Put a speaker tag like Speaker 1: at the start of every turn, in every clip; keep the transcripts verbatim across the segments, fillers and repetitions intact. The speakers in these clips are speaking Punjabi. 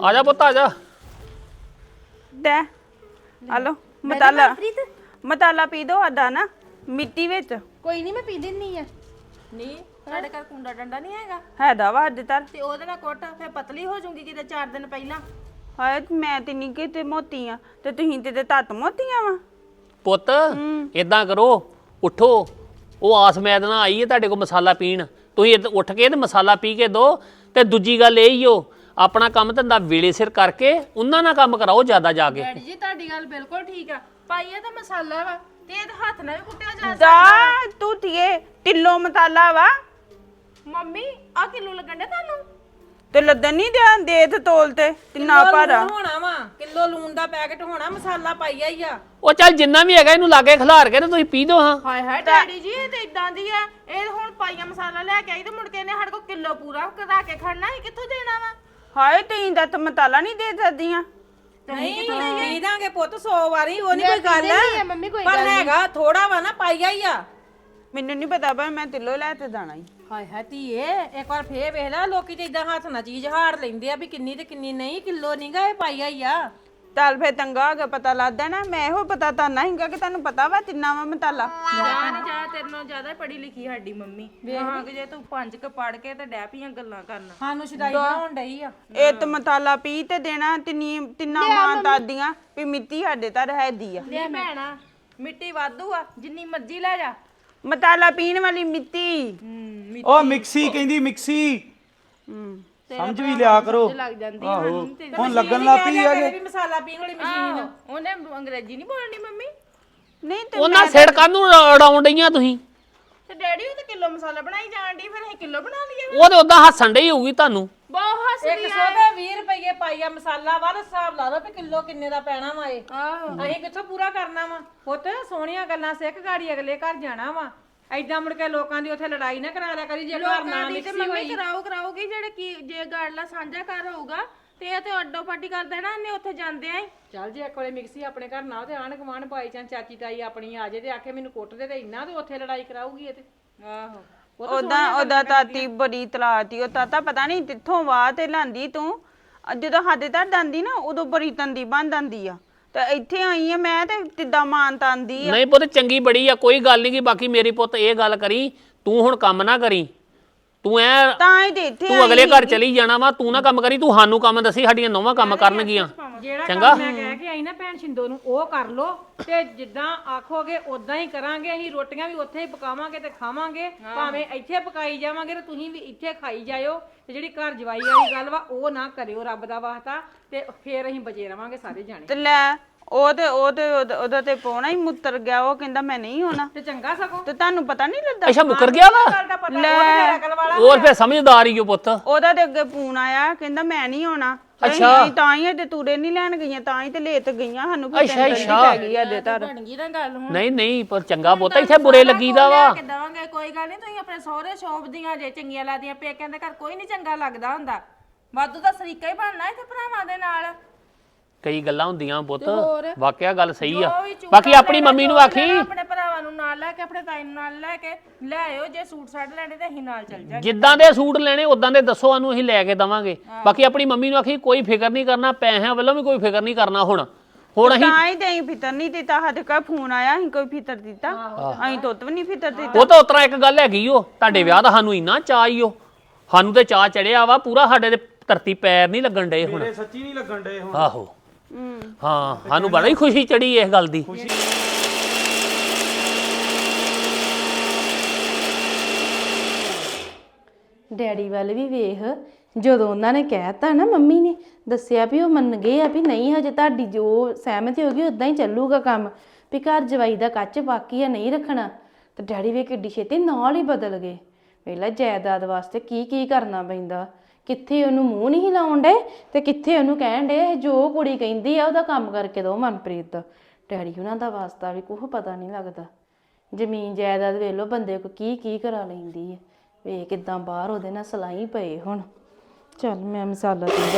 Speaker 1: ਆ ਜਾ ਪੁੱਤ ਆ ਜਾ
Speaker 2: ਦੇ ਹਲੋ ਮਤਾਲਾ ਮਤਾਲਾ ਪੀ ਦੋ ਆਦਾ ਨਾ ਮਿੱਟੀ ਵਿੱਚ
Speaker 3: ਕੋਈ ਨਹੀਂ ਮੈਂ ਪੀ ਦਿੰਨੀ ਆ ਨਹੀਂ ਸਾਡੇ ਘਰ ਕੁੰਡਾ ਡੰਡਾ ਨਹੀਂ ਹੈਗਾ
Speaker 2: ਹੈਦਾ ਵਾ ਅੱਜ ਤਰ
Speaker 3: ਤੇ ਉਹਦੇ ਨਾਲ ਕੁੱਟ ਫੇ ਪਤਲੀ ਹੋ ਜਾਊਗੀ ਕਿਤੇ ਚਾਰ ਦਿਨ ਪਹਿਲਾਂ
Speaker 2: ਹਾਏ ਮੈਂ ਤੇ ਨਹੀਂ ਕਿਤੇ ਮੋਤੀ ਆ ਤੇ ਤੁਸੀਂ ਤੇ ਤੱਤ ਮੋਤੀਆਂ ਵਾ
Speaker 1: ਪੁੱਤ ਇਦਾਂ ਕਰੋ ਉਠੋ ਉਹ ਆਸ ਮੈਦ ਨਾਲ ਆਈ ਹੈ ਤੁਹਾਡੇ ਕੋਲ ਮਸਾਲਾ ਪੀਣ ਤੁਸੀਂ ਉੱਠ ਕੇ ਤੇ ਮਸਾਲਾ ਪੀ ਕੇ ਦੋ ਤੇ ਦੂਜੀ ਗੱਲ ਇਹ ਹੀ ਹੋ ਆਪਣਾ ਕੰਮ ਧੰਦਾ ਵੇਲੇ ਸਿਰ ਕਰਕੇ ਉਹਨਾਂ ਨਾਲ ਕੰਮ ਕਰਾਓ ਜ਼ਿਆਦਾ ਜਾ ਕੇ
Speaker 3: ਡੈਡੀ ਜੀ ਤੁਹਾਡੀ ਗੱਲ ਬਿਲਕੁਲ ਠੀਕ ਆ ਪਾਈਏ ਤਾਂ ਮਸਾਲਾ ਵਾ ਤੇ ਇਹ ਹੱਥ ਨਾਲ ਵੀ ਕੁੱਟਿਆ ਜਾ
Speaker 2: ਦਾ ਤੂੰ ਤੀਏ ਕਿਲੋ ਮਸਾਲਾ ਵਾ
Speaker 3: ਮੰਮੀ ਆ ਕਿਲੋ ਲੱਗਣ ਡਿਆ ਤੁਹਾਨੂੰ
Speaker 2: ਤੇ ਲੱਦਣ ਨਹੀਂ ਦਿਆਂ ਦੇ ਤੇ ਤੋਲ ਤੇ ਤਿੰਨਾ ਭਾਰਾ
Speaker 4: ਹੋਣਾ ਵਾ ਕਿਲੋ ਲੂਣ ਦਾ ਪੈਕਟ ਹੋਣਾ ਮਸਾਲਾ ਪਾਈਆ ਹੀ ਆ
Speaker 1: ਉਹ ਚੱਲ ਜਿੰਨਾ ਵੀ ਹੈਗਾ ਇਹਨੂੰ ਲਾਗੇ ਖਿਲਾਰ ਕੇ ਤੇ ਤੁਸੀਂ ਪੀ ਦੋ ਹਾਂ
Speaker 3: ਹਾਏ ਹਾਏ ਡੈਡੀ ਜੀ ਇਹ ਤੇ ਇਦਾਂ ਦੀ ਆ ਇਹ ਹੁਣ ਪਾਈਆ ਮਸਾਲਾ ਲੈ ਕੇ ਆਈ ਤੇ ਮੁੜ ਕੇ ਇਹਨੇ ਸਾਡੇ ਕੋਲ ਕਿਲੋ ਪੂਰਾ ਕਰਾ ਕੇ ਖੜਨਾ ਇਹ ਕਿੱਥੋਂ ਦੇਣਾ ਵਾ
Speaker 2: ਹਾਏ ਤੀਂ ਦਾ ਤਾਂ ਮਸਾਲਾ ਨਹੀਂ ਦੇ ਸਕਦੀਆਂ
Speaker 4: ਨਹੀਂ ਪੀ ਦਾਂਗੇ ਪੁੱਤ ਸੌ ਵਾਰੀ ਉਹ ਨਹੀਂ ਕੋਈ ਗੱਲ
Speaker 3: ਨਹੀਂ ਮੰਮੀ ਕੋਈ
Speaker 4: ਪਰ ਹੈਗਾ ਥੋੜਾ ਵਾ ਨਾ ਪਾਈਆ ਹੀ ਆ
Speaker 2: ਮੈਨੂੰ ਨਹੀਂ ਪਤਾ ਪਰ ਮੈਂ ਤਿੱਲੋ ਲੈ ਤੇ ਜਾਣਾ ਹੀ
Speaker 4: ਹਾਏ ਹਾਏ ਧੀਏ ਇੱਕ ਵਾਰ ਫੇਰ ਵੇਖ ਲੈ ਲੋਕੀ ਤੇ ਇਦਾਂ ਹੱਥ ਨਾਲ ਚੀਜ਼ ਹਾੜ ਲੈਂਦੇ ਆ ਵੀ ਕਿੰਨੀ ਤੇ ਕਿੰਨੀ ਨਹੀਂ ਕਿਲੋ ਨਹੀਂਗਾ ਇਹ ਪਾਈਆ ਹੀ ਆ
Speaker 2: ਚੱਲ ਫੇ ਤੰਗਾ ਹੋ ਗਿਆ ਪਤਾ ਲੱਗਦਾ ਨਾ ਮੈਂ ਇਹੋ ਪਤਾ ਤਾਂ ਨਹੀਂਗਾ ਕਿ ਤੁਹਾਨੂੰ ਪਤਾ ਵਾ ਤਿੰਨਾ ਵਾ ਮਸਾਲਾ
Speaker 3: ਜਾ ਨਹੀਂ ਜਾ ਤੇਰੇ ਨਾਲੋਂ ਜ਼ਿਆਦਾ ਪੜ੍ਹੀ ਲਿਖੀ ਸਾਡੀ ਮੰਮੀ ਹਾਂ ਕਿ ਜੇ ਤੂੰ ਪੰਜ ਕ ਪੜ ਕੇ ਤੇ ਡੈ ਪੀਆਂ ਗੱਲਾਂ ਕਰਨਾ
Speaker 4: ਸਾਨੂੰ ਸ਼ਦਾਈ ਬਣਾਉਣ ਡਈ ਆ
Speaker 2: ਇਹ ਤੇ ਮਸਾਲਾ ਪੀ ਤੇ ਦੇਣਾ ਤਿੰਨੀ ਤਿੰਨਾ ਮਾਂ ਦਾਦੀਆਂ ਵੀ ਮਿੱਟੀ ਸਾਡੇ ਤਾਂ ਰਹਿਦੀ ਆ
Speaker 3: ਲੈ ਭੈਣਾ ਮਿੱਟੀ ਵਾਧੂ ਆ ਜਿੰਨੀ ਮਰਜ਼ੀ ਲੈ ਜਾ
Speaker 2: ਮਸਾਲਾ ਪੀਣ ਵਾਲੀ ਮਿੱਟੀ
Speaker 5: ਉਹ ਮਿਕਸੀ ਕਹਿੰਦੀ ਮਿਕਸੀ
Speaker 2: ਹੂੰ
Speaker 5: ਸਮਝ ਵੀ ਲਿਆ ਕਰੋ
Speaker 3: ਲੱਗ ਜਾਂਦੀ
Speaker 5: ਆਹੋ ਹੁਣ ਲੱਗਣ ਲੱਗ ਪਈ ਹੈਗੇ
Speaker 4: ਵੀ ਮਸਾਲਾ ਪੀਣ ਵਾਲੀ ਮਸ਼ੀਨ
Speaker 3: ਉਹਨੇ ਅੰਗਰੇਜ਼ੀ ਨਹੀਂ ਬੋਲਣੀ ਮੰਮੀ
Speaker 2: ਨਹੀਂ ਤੇ
Speaker 1: ਉਹਨਾਂ ਸਿੜਕਾਂ ਨੂੰ ਉਡਾਉਣ ਡਈਆਂ ਤੁਸੀਂ
Speaker 3: ਤੇ ਡੈਡੀ ਉਹ ਤਾਂ ਕਿਲੋ ਮਸਾਲਾ ਬਣਾਈ ਜਾਣ ਦੀ ਫਿਰ ਅਸੀਂ ਕਿਲੋ ਬਣਾ ਲਈਏ
Speaker 1: ਉਹ ਤੇ ਉਦਾਂ ਹੱਸਣ ਡਈ ਹੋਊਗੀ ਤੁਹਾਨੂੰ
Speaker 3: ਬਹੁਤ ਹੱਸਦੀ
Speaker 4: ਇੱਕ ਸੌ ਤੇ ਵੀਹ ਰੁਪਏ ਪਾਈਆ ਮਸਾਲਾ ਵਾ ਤੇ ਹਿਸਾਬ ਲਾ ਲਓ ਵੀ ਕਿਲੋ ਕਿੰਨੇ ਦਾ ਪੈਣਾ ਵਾ ਇਹ
Speaker 3: ਆਹੋ
Speaker 4: ਅਸੀਂ ਕਿੱਥੋਂ ਪੂਰਾ ਕਰਨਾ ਵਾ ਪੁੱਤ ਸੋਹਣੀਆਂ ਗੱਲਾਂ ਸਿੱਖ ਗਾੜੀ ਅਗਲੇ ਘਰ ਜਾਣਾ ਵਾ ਐਦਾਂ ਮੁੜ ਕੇ ਲੋਕਾਂ ਦੀ ਉੱਥੇ ਲੜਾਈ ਨਾ ਕਰਾ ਲਿਆ ਕਰੀ ਜੇ ਘਰ ਨਾ
Speaker 3: ਦੀ ਤੇ
Speaker 4: ਮਿਕਸੀ
Speaker 3: ਮੰਮੀ
Speaker 4: ਹੋਈ
Speaker 3: ਕਰਾਓ ਕਰਾਉਗੀ ਜਿਹੜੇ ਕੀ ਜੇ ਗਾੜਲਾ ਸਾਂਝਾ ਘਰ ਹੋਊਗਾ ਤੇ ਇਹ ਤੇ ਅੱਡੋ ਪਾਟੀ ਕਰ ਦੇਣਾ ਇਹਨੇ ਉੱਥੇ ਜਾਂਦੇ ਆਂ
Speaker 4: ਚੱਲ ਜੇ ਇੱਕ ਵੇਲੇ ਮਿਕਸੀ ਆਪਣੇ ਘਰ ਨਾ ਤੇ ਆਣ ਗਵਾਂਢ ਭਾਈ ਚਾਂ ਚਾਚੀ ਤਾਈ ਆਪਣੀ ਆ ਜੇ ਤੇ ਆਖੇ ਮੈਨੂੰ ਕੁੱਟ ਦੇ ਤੇ ਇੰਨਾ ਤੇ ਉੱਥੇ ਲੜਾਈ ਕਰਾਊਗੀ ਇਹ ਤੇ
Speaker 3: ਆਹੋ
Speaker 2: ਉਹਦਾ ਉਹਦਾ ਤਾਤੀ ਬੜੀ ਤਲਾਤੀ ਉਹ ਤਾਤਾ ਪਤਾ ਨਹੀਂ ਕਿੱਥੋਂ ਵਾਹ ਤੇ ਲਾਂਦੀ ਤੂੰ ਜਦੋਂ ਸਾਡੇ ਤਾਂ ਜਾਂਦੀ ਨਾ ਉਦੋਂ ਬੜੀ ਤੰਦੀ ਬਣ ਜਾਂਦੀ ਆ ਤੇ ਇੱਥੇ ਆਈ ਆ ਮੈਂ ਤੇ ਕਿੱਦਾਂ ਮਾਨ ਤਾਂਦੀ ਆ
Speaker 1: ਨਹੀਂ ਪੁੱਤ ਚੰਗੀ ਬੜੀ ਆ ਕੋਈ ਗੱਲ ਨਹੀਂ ਕਿ ਬਾਕੀ ਮੇਰੀ ਪੁੱਤ ਇਹ ਗੱਲ ਕਰੀ ਤੂੰ ਹੁਣ ਕੰਮ ਨਾ ਕਰੀ ਤੂੰ ਐ
Speaker 2: ਤਾਂ ਹੀ ਤੇ ਇੱਥੇ
Speaker 1: ਤੂੰ ਅਗਲੇ ਘਰ ਚਲੀ ਜਾਣਾ ਵਾ ਤੂੰ ਨਾ ਕੰਮ ਕਰੀ ਤੂੰ ਸਾਨੂੰ ਕੰਮ ਦੱਸੀ ਸਾਡੀਆਂ ਨੌਵਾਂ ਕੰਮ ਕਰਨਗੀਆਂ
Speaker 4: ਜਿਹੜਾ
Speaker 1: ਚੰਗਾ
Speaker 4: ਕੰਮ ਮੈਂ ਕਹਿ ਕੇ ਆਈ ਨਾ ਭੈਣ ਛਿੰਦੋ ਨੂੰ ਉਹ ਕਰ ਲੋ ਤੇ ਜਿੱਦਾਂ ਆਖੋਗੇ ਉਦਾਂ ਹੀ ਕਰਾਂਗੇ ਅਸੀਂ ਰੋਟੀਆਂ ਵੀ ਉੱਥੇ ਹੀ ਪਕਾਵਾਂਗੇ ਤੇ ਖਾਵਾਂਗੇ ਭਾਵੇਂ ਇੱਥੇ ਪਕਾਈ ਜਾਵਾਂਗੇ ਤੇ ਤੁਸੀਂ ਵੀ ਇੱਥੇ ਖਾਈ ਜਾਇਓ ਤੇ ਜਿਹੜੀ ਘਰ ਜਵਾਈ ਵਾਲੀ ਗੱਲ ਵਾ ਉਹ ਨਾ ਕਰਿਓ ਰੱਬ ਦਾ ਵਾਸਤਾ ਤੇ ਫੇਰ ਅਸੀਂ ਬਚੇ ਰਵਾਂਗੇ ਸਾਰੇ ਜਾਣੇ
Speaker 2: ਤੇ ਲੈ ਉਹ ਤੇ ਉਹ ਤੇ ਉਹਦਾ ਉਹਦਾ ਤੇ ਪੌਣਾ ਹੀ ਮੁੱਤਰ ਗਿਆ ਉਹ ਕਹਿੰਦਾ ਮੈਂ ਨਹੀਂ ਹੋਣਾ
Speaker 4: ਤੇ ਚੰਗਾ ਸਗੋਂ
Speaker 2: ਤੇ ਤੁਹਾਨੂੰ ਪਤਾ ਨਹੀਂ ਲੱਗਾ
Speaker 1: ਅੱਛਾ ਮੁੱਕਰ ਗਿਆ ਵਾ
Speaker 4: ਗੱਲ ਦਾ ਪਤਾ ਉਹ ਤੇ ਅਕਲ ਵਾਲਾ
Speaker 1: ਹੋਰ ਫੇਰ ਸਮਝਦਾਰ ਹੀ ਓ ਪੁੱਤ
Speaker 2: ਉਹਦਾ ਤੇ ਅੱਗੇ ਫੋਨ ਆਇਆ ਕਹਿੰਦਾ ਮੈਂ ਨਹੀਂ ਹੋਣਾ
Speaker 1: ਅੱਛਾ।
Speaker 2: ਅਸੀਂ ਤਾਂ ਹੀ ਤੇ ਤੂੜੇ ਨਹੀਂ ਲੈਣ ਗਈਆਂ ਤਾਂ ਹੀ ਤੇ ਲੇਟ ਗਈਆਂ ਸਾਨੂੰ ਕੋਈ
Speaker 1: ਅੱਛਾ,
Speaker 2: ਟੈਨਸ਼ਨ
Speaker 1: ਅੱਛਾ।
Speaker 2: ਪੈ ਗਈ ਅਜੇ ਤੱਕ
Speaker 3: ਬਣ ਗਈ ਨਾ ਗੱਲ ਹੁਣ
Speaker 1: ਨਹੀਂ ਨਹੀਂ ਪਰ ਚੰਗਾ ਪੁੱਤ ਇੱਥੇ ਬੁਰੇ ਲੱਗੀਦਾ ਵਾ
Speaker 3: ਕਿ ਦਵਾਂਗੇ ਕੋਈ ਗੱਲ ਨਹੀਂ ਤੁਸੀਂ ਆਪਣੇ ਸਹੁਰੇ ਸ਼ੋਭਦੀਆਂ ਜੇ ਚੰਗੀਆਂ ਲੱਗਦੀਆਂ ਪੇਕਿਆਂ ਦੇ ਘਰ ਕੋਈ ਨਹੀਂ ਚੰਗਾ ਲੱਗਦਾ ਹੁੰਦਾ ਵਾਧੂ ਦਾ ਸਰੀਕਾ ਹੀ ਬਣਨਾ ਇੱਥੇ ਭਰਾਵਾਂ ਦੇ ਨਾਲ
Speaker 1: ਕਈ ਗੱਲਾਂ ਹੁੰਦੀਆਂ ਪੁੱਤ
Speaker 3: ਹੋਰ?
Speaker 1: ਵਾਕਿਆ ਗੱਲ ਸਹੀ ਆ
Speaker 3: ਜੋ ਵੀ ਝੂਠਾ
Speaker 1: ਬਾਕੀ ਆਪਣੀ
Speaker 3: ਲੈਣਾ,
Speaker 1: ਮੰਮੀ ਨੂੰ
Speaker 3: ਜੋ
Speaker 1: ਆਖੀ
Speaker 3: ਲੈਣਾ, ਆਪਣੇ ਭਰਾਵਾਂ ਨੂੰ ਨਾਲ ਲੈ ਕੇ ਆਪਣੇ ਤਾਈ ਨੂੰ ਨਾਲ ਲੈ ਕੇ ਲੈ ਆਇਓ ਜੇ ਸੂਟ ਸਾਟ ਲੈਣੇ ਤੇ ਅਸੀਂ ਨਾਲ ਚੱਲ ਜਾਾਂਗੇ
Speaker 1: ਜਿੱਦਾਂ ਦੇ ਸੂਟ ਲੈਣੇ ਉਦਾਂ ਦੇ ਦੱਸੋ ਸਾਨੂੰ ਅਸੀਂ ਲੈ ਕੇ ਦਵਾਂਗੇ ਬਾਕੀ ਆਪਣੀ ਮੰਮੀ ਨੂੰ ਆਖੀ ਕੋਈ ਫਿਕਰ ਨਹੀਂ ਕਰਨਾ ਪੈਸਿਆਂ ਵੱਲੋਂ ਵੀ ਕੋਈ ਫਿਕਰ ਨਹੀਂ ਕਰਨਾ ਹੁਣ ਹੁਣ ਅਸੀਂ
Speaker 2: ਤਾਂ ਹੀ ਤੇ ਅਸੀਂ ਫਿਤਰ ਨਹੀਂ ਦਿੱਤਾ ਸਾਡੇ ਕੋਲ ਫੋਨ ਆਇਆ ਅਸੀਂ ਕੋਈ ਫਿਤਰ ਦਿੱਤਾ ਅਸੀਂ ਤੁੱਤ ਵੀ ਨਹੀਂ ਫਿਤਰ ਦਿੱਤਾ
Speaker 1: ਉਹ ਤਾਂ ਉਤਰਾ ਇੱਕ ਗੱਲ ਹੈਗੀ ਓ ਤੁਹਾਡੇ ਵਿਆਹ ਦਾ ਸਾਨੂੰ ਇੰਨਾ ਚਾਅ ਈ ਓ ਸਾਨੂੰ ਤੇ ਚਾਅ ਚੜਿਆ ਵਾ ਪੂਰਾ ਸਾਡੇ ਦੇ ਧਰਤੀ ਪੈਰ ਨਹੀਂ ਲੱਗਣ ਡਏ ਹੁਣ
Speaker 5: ਮੇਰੇ ਸੱਚੀ ਨਹੀਂ ਲੱਗਣ ਡਏ ਹੁਣ
Speaker 1: ਆਹੋ ਹਾਂ ਸਾਨੂੰ ਬੜੀ ਖੁਸ਼ੀ ਚੜੀ ਇਸ ਗੱਲ ਦੀ
Speaker 6: ਡੈਡੀ ਵੱਲ ਵੀ ਵੇਖ ਜਦੋਂ ਉਹਨਾਂ ਨੇ ਕਹਿਤਾ ਨਾ ਮੰਮੀ ਨੇ ਦੱਸਿਆ ਵੀ ਉਹ ਮੰਨ ਗਏ ਆ ਵੀ ਨਹੀਂ ਹਜੇ ਤੁਹਾਡੀ ਜੋ ਸਹਿਮਤੀ ਹੋ ਗਈ ਉਦਾਂ ਹੀ ਚੱਲੂਗਾ ਕੰਮ ਵੀ ਘਰ ਜਵਾਈ ਦਾ ਕੱਚ ਬਾਕੀ ਆ ਨਹੀਂ ਰੱਖਣਾ ਤੇ ਡੈਡੀ ਵੇ ਕਿੱਡੀ ਛੇਤੀ ਨਾਲ ਹੀ ਬਦਲ ਗਏ ਵੇਲਾ ਜਾਇਦਾਦ ਵਾਸਤੇ ਕੀ ਕੀ ਕਰਨਾ ਪੈਂਦਾ ਕਿੱਥੇ ਉਹਨੂੰ ਮੂੰਹ ਨਹੀਂ ਲਾਉਣ ਡੇ ਤੇ ਕਿੱਥੇ ਉਹਨੂੰ ਕਹਿਣ ਡੇ ਜੋ ਕੁੜੀ ਕਹਿੰਦੀ ਆ ਉਹਦਾ ਕੰਮ ਕਰਕੇ ਦੋ ਮਨਪ੍ਰੀਤ ਦਾ ਡੈਡੀ ਉਹਨਾਂ ਦਾ ਵਾਸਤਾ ਵੀ ਕੁਝ ਪਤਾ ਨਹੀਂ ਲੱਗਦਾ ਜ਼ਮੀਨ ਜਾਇਦਾਦ ਵੇਖ ਲਓ ਬੰਦੇ ਕੋ ਕੀ ਕੀ ਕਰਾ ਲੈਂਦੀ ਹੈ ਵੇਖ ਕਿਦਾਂ ਬਾਹਰ ਉਹਦੇ ਨਾਲ ਸਲਾਈ ਪਏ ਹੁਣ ਚੱਲ ਮੈਂ ਮਸਾਲਾ ਪੀਂਦਾ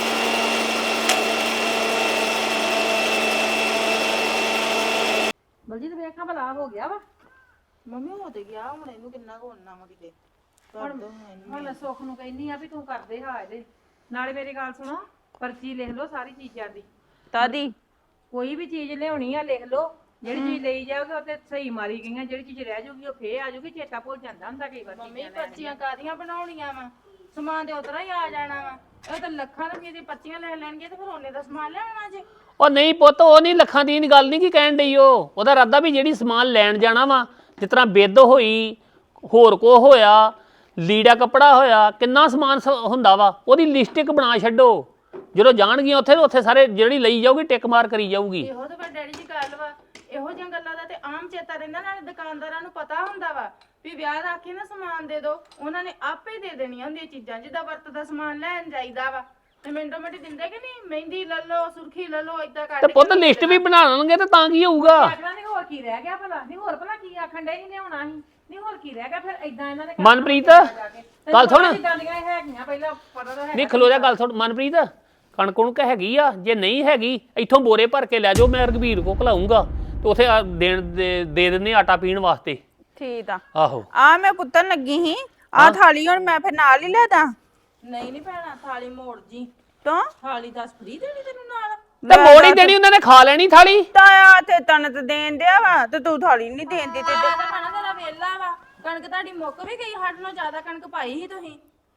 Speaker 4: ਬਲਜੀਤ ਵੇਖਾਂ ਭਲਾ ਹੋ ਗਿਆ ਵਾ
Speaker 2: ਮੰਮੀ ਹੋ ਤੇ ਗਿਆ ਹੁਣ ਇਹਨੂੰ ਕਿੰਨਾ ਕੁ ਹੋਣਾ ਵਾ ਕਿਤੇ
Speaker 4: ਹੁਣ ਮੈਂ ਸੁੱਖ ਨੂੰ ਕਹਿੰਦੀ ਆ ਵੀ ਤੂੰ ਕਰਦੇ ਹਾਂ ਇਹਦੇ ਨਾਲੇ ਮੇਰੀ ਗੱਲ ਸੁਣੋ ਪਰਚੀ ਲਿਖ ਲਓ ਸਾਰੀ ਚੀਜ਼ਾਂ ਦੀ
Speaker 2: ਤਾਦੀ
Speaker 4: ਕੋਈ ਵੀ ਚੀਜ਼ ਲਿਆਉਣੀ ਆ ਲਿਖ ਲਓ ਜਿਹੜੀ ਚੀਜ਼ ਲਈ ਜਾਓਗੇ ਉਹ ਤੇ ਸਹੀ ਮਾਰੀ ਗਈਆਂ ਜਿਹੜੀ ਚੀਜ਼ ਰਹਿ ਜਾਊਗੀ ਉਹ ਫੇਰ ਆ ਜਾਊਗੀ ਚੇਤਾ ਭੁੱਲ ਜਾਂਦਾ ਹੁੰਦਾ ਕਈ ਵਾਰ
Speaker 3: ਮੰਮੀ ਪਰਚੀਆਂ ਕਾਦੀਆਂ ਬਣਾਉਣੀਆਂ ਵਾ ਸਮਾਨ ਤੇ ਉਤਰਾ ਹੀ ਆ ਜਾਣਾ ਵਾ ਇਹ ਤਾਂ ਲੱਖਾਂ ਰੁਪਏ ਦੀ ਪਰਚੀਆਂ ਲੈ ਲੈਣਗੇ ਤੇ ਫਿਰ ਉਹਨੇ ਦਾ ਸਮਾਨ ਲੈਣਾ ਜੇ
Speaker 1: ਉਹ ਨਹੀਂ ਪੁੱਤ ਉਹ ਨਹੀਂ ਲੱਖਾਂ ਦੀ ਗੱਲ ਨਹੀਂ ਕੀ ਕਹਿਣ ਡਈ ਉਹ ਉਹਦਾ ਇਰਾਦਾ ਵੀ ਜਿਹੜੀ ਸਮਾਨ ਲੈਣ ਜਾਣਾ ਵਾ ਜਿਸ ਤਰ੍ਹਾਂ ਬਿੱਧ ਹੋਈ ਹੋਰ ਕੋ ਹੋਇਆ ਲੀੜਾ ਕੱਪੜਾ ਹੋਇਆ ਕਿੰਨਾ ਸਮਾਨ ਸ- ਹੁੰਦਾ ਵਾ ਉਹਦੀ ਲਿਸਟ ਇੱਕ ਬਣਾ ਛੱਡੋ ਜਦੋਂ ਜਾਣਗੀਆਂ ਉੱਥੇ ਤੇ ਉੱਥੇ ਸਾਰੇ ਜਿਹੜੀ ਲਈ ਜਾਊਗੀ ਟਿਕ ਮਾਰ ਕਰੀ ਜਾਊਗੀ
Speaker 3: ਇਹੋ ਤਾਂ ਫਿਰ ਡੈਡੀ ਜੀ ਗੱਲ ਵਾ ਇਹੋ ਜਿਹੀਆਂ ਗੱਲਾਂ ਦਾ ਤੇ ਆਮ ਚੇਤਾ ਰਹਿੰਦਾ ਨਾਲੇ ਦੁਕਾਨਦਾਰਾਂ ਨੂੰ ਪਤਾ ਹੁੰਦਾ ਵਾ ਵੀ ਵਿਆਹ ਦਾ ਕੇ ਨਾ ਸਮਾਨ ਦੇ ਦਿਓ ਉਹਨਾਂ ਨੇ ਆਪੇ ਦੇ ਦੇਣੀਆਂ ਹੁੰਦੀਆਂ ਚੀਜ਼ਾਂ ਜਿੱਦਾਂ ਵਰਤ ਦਾ ਸਮਾਨ ਲੈਣ ਜਾਈਦਾ ਵਾ ਤੇ ਮਿੰਟੋ ਮਿੰਟ ਦਿੰਦੇ ਕਿ ਨਹੀਂ ਮਹਿੰਦੀ ਲੈ ਲਓ ਸੁਰਖੀ ਲੈ ਲਓ ਇਦਾਂ
Speaker 1: ਤੇ
Speaker 3: ਕੱਢ
Speaker 1: ਪੁੱਤ ਲਿਸਟ ਵੀ ਬਣਾ ਲੈਣਗੇ ਤੇ ਤਾਂ ਕੀ ਹੋਊਗਾ
Speaker 4: ਆਖਣਾ ਨਹੀਂ ਹੋਰ ਕੀ ਰਹਿ ਗਿਆ ਭਲਾ ਨਹੀਂ ਹੋਰ ਭਲਾ ਕੀ ਆਖਣ ਡੇ ਨਹੀਂ ਲਿਆਉਣਾ ਸੀ ਨਹੀਂ ਹੋਰ ਕੀ ਰਹਿ ਗਿਆ ਫਿਰ ਇਦਾਂ ਇਹਨਾਂ ਨੇ
Speaker 1: ਮਨਪ੍ਰੀਤ ਗੱਲ ਸੁਣ
Speaker 4: ਜਿੱਦਾਂ ਦੀਆਂ ਇਹ ਹੈਗੀਆਂ ਪਹਿਲਾਂ ਪਤਾ ਤਾਂ ਹੈ
Speaker 1: ਨਹੀਂ ਖਲੋ ਜਾ ਗੱਲ ਸੁਣ ਮਨਪ੍ਰੀਤ ਕਣਕ ਕੁਣਕ ਹੈਗੀ ਆ ਜੇ ਨਹੀਂ ਹੈਗੀ ਇੱਥੋਂ ਬੋਰੇ ਭਰ ਕੇ ਲੈ ਜਾਓ ਮੈਂ ਰਘਬੀਰ ਕੋ ਘਲਾਉਂਗਾ ਤੇ ਉਥੇ ਦੇਣ ਦੇ ਦੇ ਦਿੰਦੇ ਆਟਾ ਪੀਣ ਵਾਸਤੇ
Speaker 2: ਠੀਕ ਆ
Speaker 1: ਆਹੋ
Speaker 2: ਆ ਮੈਂ ਕੁੱਤਨ ਲੱਗੀ ਸੀ ਆ ਥਾਲੀ ਹੁਣ ਮੈਂ ਫਿਰ ਨਾਲ ਹੀ ਲੈਦਾ
Speaker 3: ਨਹੀਂ ਨਹੀਂ ਭੈਣਾ ਥਾਲੀ ਮੋੜ ਜੀ
Speaker 2: ਤਾਂ
Speaker 3: ਥਾਲੀ ਦਸ ਫਰੀ ਦੇਣੀ ਤੈਨੂੰ ਨਾਲ
Speaker 1: ਤੇ ਮੋੜ ਹੀ ਦੇਣੀ ਉਹਨਾਂ ਨੇ ਖਾ ਲੈਣੀ ਥਾਲੀ
Speaker 2: ਤਾਇਆ ਤੇ ਤਨਤ ਦੇਣ ਦਿਆ ਵਾ ਤੇ ਤੂੰ ਥਾਲੀ ਨਹੀਂ ਦੇਂਦੀ ਤੇ
Speaker 3: ਤੇ ਭੈਣਾ ਤੇਰਾ ਵੇਲਾ ਵਾ ਕਣਕ ਤੁਹਾਡੀ ਮੁੱਕ ਵੀ ਗਈ ਸਾਡੇ ਨਾਲੋਂ ਜ਼ਿਆਦਾ ਕਣਕ ਪਾਈ ਸੀ ਤੁਸੀਂ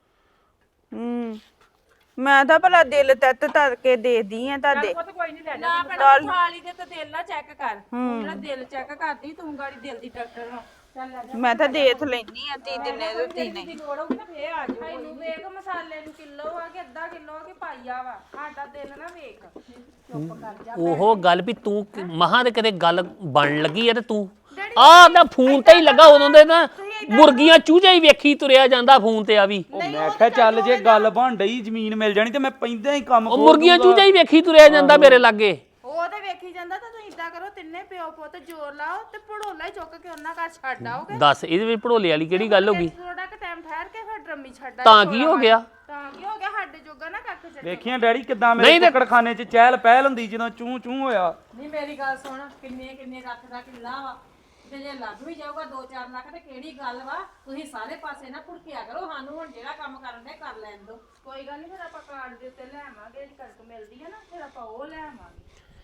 Speaker 2: ਹੂੰ ਮੈਂ ਤਾਂ ਭਲਾ ਦਿਲ ਤੱਤ ਤਰ ਕੇ ਦੇਦੀ ਆ ਤੁਹਾਡੇ
Speaker 4: ਉਹ ਤਾਂ ਕੋਈ ਨਹੀਂ ਲੈ
Speaker 3: ਨਾ ਭੈਣਾ ਤੂੰ ਥਾਲੀ ਦੇ ਤੇ ਦਿਲ ਨਾ ਚੈੱਕ ਕਰ ਜਿਹੜਾ ਦਿਲ ਚੈੱਕ ਕਰਦੀ ਤੂੰ ਗਾੜੀ ਦਿਲ ਦੀ ਡਾਕਟਰ ਵਾ ਚੱਲ ਲੈ ਜਾ
Speaker 2: ਮੈਂ ਤਾਂ ਦੇਖ ਲੈਣੀ ਆ ਤੀ ਦਿਨੇ ਤੇ ਤਿੰਨੇ
Speaker 4: ਦੀ ਲੋੜ ਹੋਊਗੀ ਨਾ ਫੇਰ ਆ ਜਾਓ
Speaker 3: ਇਹਨੂੰ ਵੇਖ ਮਸਾਲੇ ਨੂੰ ਕਿਲੋ ਆ ਕਿ ਅੱਧਾ ਕਿਲੋ ਆ ਕਿ ਪਾਈਆ ਵਾ ਸਾਡਾ ਦਿਲ ਨਾ ਵੇਖ ਚੁੱਪ ਕਰ ਜਾ
Speaker 1: ਉਹ ਗੱਲ ਵੀ ਤੂੰ ਮਹਾਂ ਦੇ ਕਦੇ ਗੱਲ ਬਣ ਲੱਗੀ ਆ ਤੇ ਤੂੰ ਆਹ ਤਾਂ ਫੋਨ ਤੇ ਹੀ ਲੱਗਾ ਉਦੋਂ ਦੇ ਨਾ ਮੁਰਗੀਆਂ ਚੂਝਾ ਹੀ ਵੇਖੀ ਤੁਰਿਆ ਜਾਂਦਾ ਫੋਨ ਤੇ ਆ ਵੀ
Speaker 5: ਉਹ ਮੈਂ ਕਿਹਾ ਚੱਲ ਜੇ ਗੱਲ ਬਣ ਡਈ ਜ਼ਮੀਨ ਮਿਲ ਜਾਣੀ ਤੇ ਮੈਂ ਪੈਂਦਾ ਹੀ ਕੰਮ
Speaker 1: ਉਹ
Speaker 5: ਖੋਲ
Speaker 1: ਮੁਰਗੀਆਂ
Speaker 5: ਦੂੰਗਾ।
Speaker 1: ਚੂਝਾ ਹੀ ਵੇਖੀ ਤੁਰਿਆ ਜਾਂਦਾ ਮੇਰੇ ਲਾਗੇ
Speaker 3: ਉਹ ਤੇ ਵੇਖੀ ਜਾਂਦਾ ਤਾਂ ਤੁਸੀਂ ਇਦਾਂ ਕਰੋ ਤਿੰਨੇ ਪਿਓ ਪੁੱਤ ਜ਼ੋਰ ਲਾਓ ਤੇ ਭੜੋਲਾ ਹੀ ਚੁੱਕ ਕੇ ਉਹਨਾਂ ਘਰ ਛੱਡ ਆਓਗੇ
Speaker 1: ਦੱਸ ਇਹਦੇ ਵਿੱਚ ਭੜੋਲੇ ਵਾਲੀ ਕਿਹੜੀ ਗੱਲ ਹੋ ਗਈ
Speaker 3: ਥੋੜਾ ਕੁ ਟਾਈਮ ਠਹਿਰ ਕੇ ਫਿਰ ਡਰਮੀ ਛੱਡ ਆਇਓ
Speaker 1: ਤਾਂ ਕੀ ਹੋ ਗਿਆ
Speaker 3: ਤਾਂ ਕੀ ਹੋ ਗਿਆ ਸਾਡੇ ਜੋਗਾ ਨਾ ਕੱਖ ਛੱਡ
Speaker 5: ਵੇਖੀਆਂ ਡੈਡੀ ਕਿਦਾਂ ਮੇਰੇ ਕੁੱਕੜਖਾਨੇ 'ਚ ਚਹਿਲ ਪਹਿਲ ਹੁੰਦੀ ਜਦੋਂ ਚੂੰ ਚੂੰ ਹੋਇਆ
Speaker 4: ਨਹੀਂ ਮੇਰੀ ਗੱਲ ਸੁਣ ਕਿੰਨੇ ਕਿੰਨੇ ਲੱਖ ਦਾ ਕਿੱਲਾ ਵਾ ਤੇ ਜੇ ਲੱਗ ਵੀ ਜਾਊਗਾ ਦੋ ਚਾਰ ਲੱਖ ਤੇ ਕਿਹੜੀ ਗੱਲ ਵਾ ਤੁਸੀਂ ਸਾਰੇ ਪਾਸੇ ਨਾ ਭੁੜਕਿਆ ਕਰੋ ਸਾਨੂੰ ਹੁਣ ਜਿਹੜਾ ਕੰਮ ਕਰਨ ਦੇ ਕਰ ਲੈਣ ਦਿਓ
Speaker 3: ਕੋਈ ਗੱਲ ਨਹੀਂ ਫਿਰ ਆਪਾਂ ਕਾਰਡ ਦੇ ਉੱਤੇ ਲੈ ਆਵਾਂਗੇ ਜਿਹੜੀ ਕਣਕ ਮਿਲਦੀ ਹੈ ਨਾ ਫਿਰ ਆਪਾਂ ਉਹ ਲੈ ਆਵਾਂਗੇ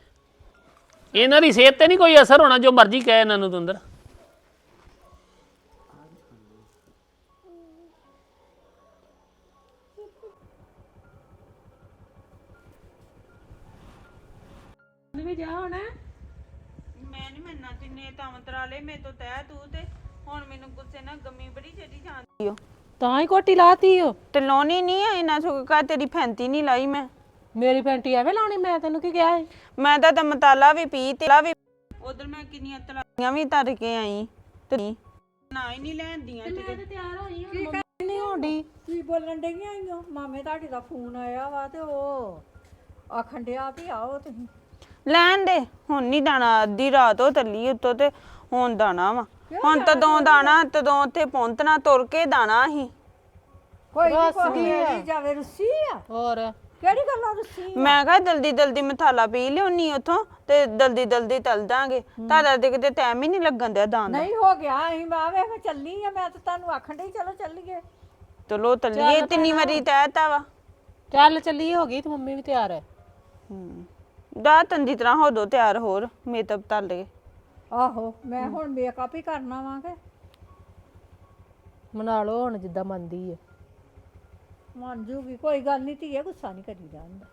Speaker 1: ਇਹਨਾਂ ਦੀ ਸਿਹਤ ਤੇ ਨਹੀਂ ਕੋਈ ਅਸਰ ਹੋਣਾ ਜੋ ਮਰਜ਼ੀ ਕਹੇ ਇਹਨਾਂ ਨੂੰ ਤੁੰਦਰ
Speaker 4: ਵੀ ਜਾ ਹੁਣ
Speaker 2: ਮੈਂ ਨਹੀਂ ਮੰਨਣਾ ਤਿੰਨੇ ਤਮਤਰਾ ਲੈ ਮੇਰੇ ਤੋਂ ਤੈ ਤੂੰ ਤੇ ਹੁਣ ਮੈਨੂੰ ਗੁੱਸੇ ਨਾਲ ਗਮੀ ਬੜੀ ਚੜੀ ਜਾਂਦੀ ਓ
Speaker 7: ਤਾਂ ਹੀ ਕੋਟੀ ਲਾਤੀ ਓ
Speaker 2: ਤੇ ਲਾਉਣੀ ਨਹੀਂ ਆ ਇਹਨਾਂ ਸੁੱਕਾ ਤੇਰੀ ਫੈਂਤੀ ਨਹੀਂ ਲਾਈ ਮੈਂ
Speaker 7: ਮੇਰੀ ਪੈਂਟੀ ਐਵੇਂ ਲਾਉਣੀ ਮੈਂ ਤੈਨੂੰ ਕੀ ਕਿਹਾ ਸੀ
Speaker 2: ਮੈਂ ਤਾਂ ਤਾਂ ਮਤਾਲਾ ਵੀ ਪੀ ਤੇ ਵੀ ਉਧਰ ਮੈਂ ਕਿੰਨੀਆਂ ਤਲਾਈਆਂ ਵੀ ਧਰ ਕੇ ਆਈ ਤੇ ਨਾ ਹੀ ਨਹੀਂ ਲੈਂਦੀਆਂ ਤੇ
Speaker 3: ਤਿਆਰ ਹੋਈ
Speaker 7: ਨਹੀਂ ਹੋਣੀ
Speaker 8: ਕੀ ਬੋਲਣ ਡਈਆਂ ਆਈਓ ਮਾਮੇ ਤੁਹਾਡੇ ਦਾ ਫੋਨ ਆਇਆ ਵਾ ਤੇ ਉਹ ਆਖਣ ਡਿਆ ਵੀ ਆਓ ਤੁਸੀਂ
Speaker 2: ਲੈਣ ਦੇ ਹੁਣ ਨਹੀਂ ਦਾਣਾ ਅੱਧੀ ਰਾਤ ਉਹ ਤੱਲੀ ਉੱਤੋਂ ਤੇ ਹੁਣ ਦਾਣਾ ਵਾ ਹੁਣ ਤਦੋਂ ਦਾਣਾ ਤਦੋਂ ਉੱਥੇ ਪਹੁੰਚਣਾ ਤੁਰ ਕੇ ਦਾਣਾ ਹੀ
Speaker 8: ਕੋਈ ਨਹੀਂ ਕੋਈ ਨਹੀਂ ਜਾਵੇ ਰੁੱਸੀ ਆ
Speaker 7: ਹੋਰ
Speaker 8: ਕਿਹੜੀ ਗੱਲਾਂ ਰੁੱਸੀ
Speaker 2: ਮੈਂ ਕਿਹਾ ਜਲਦੀ ਜਲਦੀ ਮਸਾਲਾ ਪੀ ਲਿਆਉਣੀ ਉਥੋਂ ਤੇ ਜਲਦੀ ਜਲਦੀ ਤਲ ਦਾਂਗੇ ਤੁਹਾਡਾ ਤੇ ਕਿਤੇ ਟਾਈਮ ਹੀ ਨਹੀਂ ਲੱਗਣ ਦਿਆ ਦਾਣ ਦਾ
Speaker 8: ਨਹੀਂ ਹੋ ਗਿਆ ਅਸੀਂ ਮਾਵੇ ਮੈਂ ਚੱਲੀ ਆ ਮੈਂ ਤਾਂ ਤੁਹਾਨੂੰ ਆਖਣ ਡਈ ਚਲੋ ਚੱਲੀਏ
Speaker 2: ਚਲੋ ਤਲੀਏ ਤਿੰਨੀ ਵਾਰੀ ਤੈਤਾ ਵਾ
Speaker 7: ਚੱਲ ਚੱਲੀ ਹੋ ਗਈ ਤੇ ਮੰਮੀ ਵੀ ਤਿਆਰ ਹੈ
Speaker 2: ਹੂੰ ਦਾ ਤੰਦੀ ਤਰ੍ਹਾਂ ਹੋ ਦੋ ਤਿਆਰ ਹੋਰ ਮੇਕਅਪ ਤਲ ਲਏ
Speaker 8: ਆਹੋ ਮੈਂ ਹੁਣ ਮੇਕਅਪ ਹੀ ਕਰਨਾ ਵਾਂਗੇ
Speaker 7: ਮਨਾ ਲਓ ਹੁਣ ਜਿੱਦਾਂ ਮੰਨਦੀ ਹੈ
Speaker 8: ਮੰਨ ਜੂਗੀ ਕੋਈ ਗੱਲ ਨਹੀਂ ਧੀਏ ਗੁੱਸਾ ਨਹੀਂ ਕਰੀ ਜਾਂਦਾ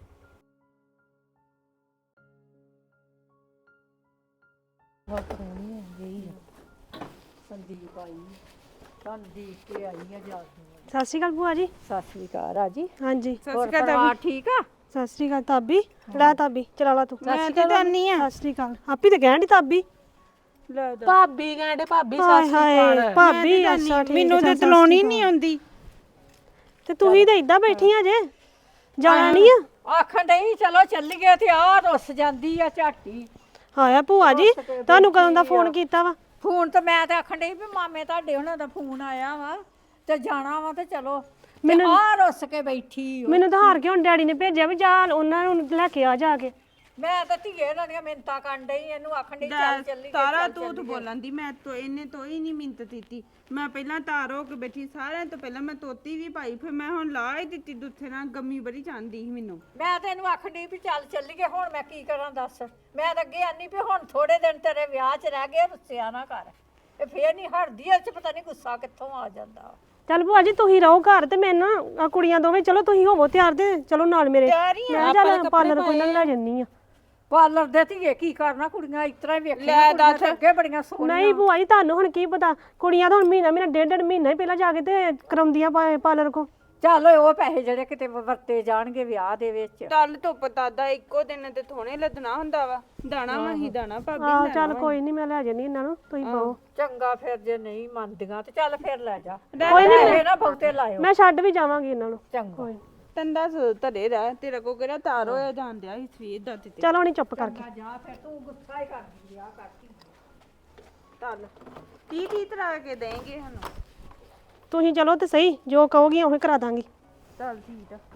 Speaker 8: ਸੰਦੀਪ ਆਈ ਸੰਦੀਪ ਕੇ ਆਈ ਆ ਜਾ
Speaker 9: ਸਤਿ ਸ਼੍ਰੀ ਅਕਾਲ ਭੂਆ ਜੀ
Speaker 8: ਸਤਿ ਸ੍ਰੀ ਅਕਾਲ ਰਾਜੀ
Speaker 9: ਹਾਂਜੀ
Speaker 8: ਹੋਰ ਪਰਿਵਾਰ ਠੀਕ ਆ
Speaker 9: ਸਤਿ ਸ਼੍ਰੀ ਅਕਾਲ ਤਾਬੀ ਲੈ ਤਾਬੀ ਚਲਾ ਲਾ ਤੂੰ
Speaker 2: ਮੈਂ ਤੇ ਜਾਨੀ ਆ
Speaker 9: ਸਤਿ ਸ਼੍ਰੀ ਅਕਾਲ ਆਪੀ ਤੇ ਕਹਿਣ ਦੀ ਤਾਬੀ
Speaker 2: ਲੈ ਦੋ
Speaker 7: ਭਾਬੀ ਕਹਿੰਦੇ ਭਾਬੀ
Speaker 9: ਹਾਏ
Speaker 7: ਸੱਸ
Speaker 9: ਹਾਏ ਭਾਬੀ ਅੱਛਾ ਠੀਕ
Speaker 2: ਮੈਨੂੰ ਤੇ ਤਲਾਉਣੀ ਨਹੀਂ ਆਉਂਦੀ
Speaker 9: ਤੇ ਤੂੰ ਹੀ ਤਾਂ ਇਦਾਂ ਬੈਠੀਆਂ ਜੇ ਜਾਣਾ ਨਹੀਂ ਆ
Speaker 8: ਆਖਣ ਡਈ ਚਲੋ ਚੱਲੀਏ ਤੇ ਆ ਰੁੱਸ ਜਾਂਦੀ ਆ ਝਾਟੀ
Speaker 9: ਹਾਇਆ ਭੂਆ ਜੀ ਤੁਹਾਨੂੰ ਕਦੋਂ ਦਾ ਫੋਨ ਕੀਤਾ ਵਾ
Speaker 8: ਫੋਨ ਤੇ ਮੈਂ ਤੇ ਆਖਣ ਡਈ ਵੀ ਮਾਮੇ ਤੁਹਾਡੇ ਉਹਨਾਂ ਦਾ ਫੋਨ ਆਇਆ ਵਾ ਤੇ ਜਾਣਾ ਵਾ ਤੇ ਚਲੋ
Speaker 9: ਮੈਨੂੰ
Speaker 8: ਆ ਰੁੱਸ ਕੇ ਬੈਠੀ ਓ।
Speaker 9: ਮੈਨੂੰ ਤਾਂ ਹਾਰ ਕੇ ਹੁਣ ਡੈਡੀ ਨੇ ਭੇਜਿਆ ਵੀ ਜਾ ਉਹਨਾਂ ਨੂੰ ਲੈ ਕੇ ਆ ਜਾ ਕੇ
Speaker 8: ਮੈਂ ਤਾਂ ਧੀਏ ਇਹਨਾਂ ਦੀਆਂ ਮਿੰਤਾਂ ਕਰਨ ਡਈ ਇਹਨੂੰ ਆਖਣ ਡਈ ਚੱਲ ਚੱਲੀ
Speaker 2: ਤਾਰਾ ਤੂੰ ਤਾਂ ਬੋਲਣ ਦੀ ਮੈਂ ਤੋ ਇਹਨੇ ਤੋਂ ਹੀ ਨਹੀਂ ਮਿੰਤ ਦਿੱਤੀ ਮੈਂ ਪਹਿਲਾਂ ਤਾਰ ਹੋ ਕੇ ਬੈਠੀ ਸਾਰਿਆਂ ਤੋਂ ਪਹਿਲਾਂ ਮੈਂ ਤੋਤੀ ਵੀ ਪਾਈ ਫਿਰ ਮੈਂ ਹੁਣ ਲਾ ਹੀ ਦਿੱਤੀ ਦੁੱਥੇ ਨਾਲ ਗੰਮੀ ਬੜੀ ਚਾਹੁੰਦੀ ਸੀ ਮੈਨੂੰ
Speaker 8: ਮੈਂ ਤਾਂ ਇਹਨੂੰ ਆਖਣ ਡਈ ਵੀ ਚੱਲ ਚੱਲੀਏ ਹੁਣ ਮੈਂ ਕੀ ਕਰਾਂ ਦੱਸ ਮੈਂ ਤਾਂ ਅੱਗੇ ਆਨੀ ਵੀ ਹੁਣ ਥੋੜੇ ਦਿਨ ਤੇਰੇ ਵਿਆਹ 'ਚ ਰਹਿ ਗਏ ਰੁੱਸਿਆ ਨਾ ਕਰ ਇਹ ਫੇਰ ਨਹੀਂ ਹਟਦੀ ਇਹ 'ਚ ਪਤਾ ਨਹੀਂ ਗੁੱਸਾ ਕਿੱਥੋਂ ਆ ਜਾਂਦਾ
Speaker 9: ਚੱਲ ਭੂਆ ਜੀ ਤੁਸੀਂ ਰਹੋ ਘਰ ਤੇ ਮੈਂ ਨਾ ਆਹ ਕੁੜੀਆਂ ਦੋਵੇਂ ਚਲੋ ਤੁਸੀਂ ਹੋਵੋ ਤਿਆਰ ਤੇ ਚਲੋ ਨਾਲ ਮੇਰੇ ਮੈਂ ਚੱਲ ਪਾਰਲਰ ਕੋਈ ਨਾ ਲੈ ਜੰਨੀ ਆ
Speaker 8: ਪਾਰਲਰ ਦੇ ਧੀਏ ਕੀ ਕਰਨਾ ਕੁੜੀਆਂ ਇਸ ਤਰ੍ਹਾਂ ਹੀ ਵੇਖੀਆਂ ਕੁੜੀਆਂ ਤਾਂ ਅੱਗੇ ਬੜੀਆਂ ਸੋਹਣੀਆਂ
Speaker 9: ਨਹੀਂ ਭੂਆ ਜੀ ਤੁਹਾਨੂੰ ਹੁਣ ਕੀ ਪਤਾ ਕੁੜੀਆਂ ਤਾਂ ਹੁਣ ਮਹੀਨਾ ਮਹੀਨਾ ਡੇਢ ਡੇਢ ਮਹੀਨਾ ਹੀ ਪਹਿਲਾਂ ਜਾ ਕੇ ਤੇ ਕਰਾਉਂਦੀਆਂ ਪਾਰਲਰ ਕੋ
Speaker 8: ਚੱਲ ਉਹ ਪੈਸੇ ਜਿਹੜੇ ਕਿਤੇ ਵਰਤੇ ਜਾਣਗੇ ਵਿਆਹ ਦੇ ਵਿੱਚ
Speaker 2: ਚੱਲ ਧੁੱਪ ਤਾਦਾ ਇੱਕੋ ਦਿਨ ਤੇ ਥੋੜੇ ਲੱਦਣਾ ਹੁੰਦਾ ਵਾ ਦਾਣਾ ਵਹੀ ਦਾਣਾ ਭਾਬੀ
Speaker 9: ਆਹ ਚੱਲ ਕੋਈ ਨਹੀਂ ਮੈਂ ਲੈ ਜੰਨੀ ਇਹਨਾਂ ਨੂੰ ਤੁਸੀਂ ਬਹੁ
Speaker 8: ਚੰਗਾ ਫਿਰ ਜੇ ਨਹੀਂ ਮੰਨਦੀਆਂ ਤੇ ਚੱਲ ਫਿਰ ਲੈ ਜਾ
Speaker 9: ਕੋਈ ਨਹੀਂ
Speaker 8: ਪੈਸੇ ਨਾ ਬਹੁਤੇ ਲਾਇਓ
Speaker 9: ਮੈਂ ਛੱਡ ਵੀ ਜਾਵਾਂਗੀ ਇਹਨਾਂ ਨੂੰ
Speaker 8: ਚੰਗਾ
Speaker 2: ਤੰਦਾ ਧਰੇ ਰਹਿ ਤੇਰਾ ਕੋ ਕਿਹੜਾ ਤਾਰ ਹੋਇਆ ਜਾਂਦਿਆ ਇਸ ਸਵੇਰ ਦਾ ਤੇ
Speaker 9: ਚਲੋ ਨਹੀਂ ਚੁੱਪ ਕਰਕੇ
Speaker 8: ਜਾ ਫਿਰ ਤੂੰ ਗੁੱਸਾ ਹੀ ਕਰਦੀ ਵਿਆਹ ਕਰਦੀ
Speaker 2: ਚੱਲ ਕੀ ਕੀ ਤਰ੍ਹਾਂ ਕੇ ਦੇਂਗੇ ਸਾਨੂੰ
Speaker 9: ਤੁਸੀਂ ਚਲੋ ਤੇ ਸਹੀ ਜੋ ਕਹੋਗੀ ਉਹੀ ਕਰਾ ਦਾਂਗੀ
Speaker 2: ਚੱਲ ਠੀਕ ਆ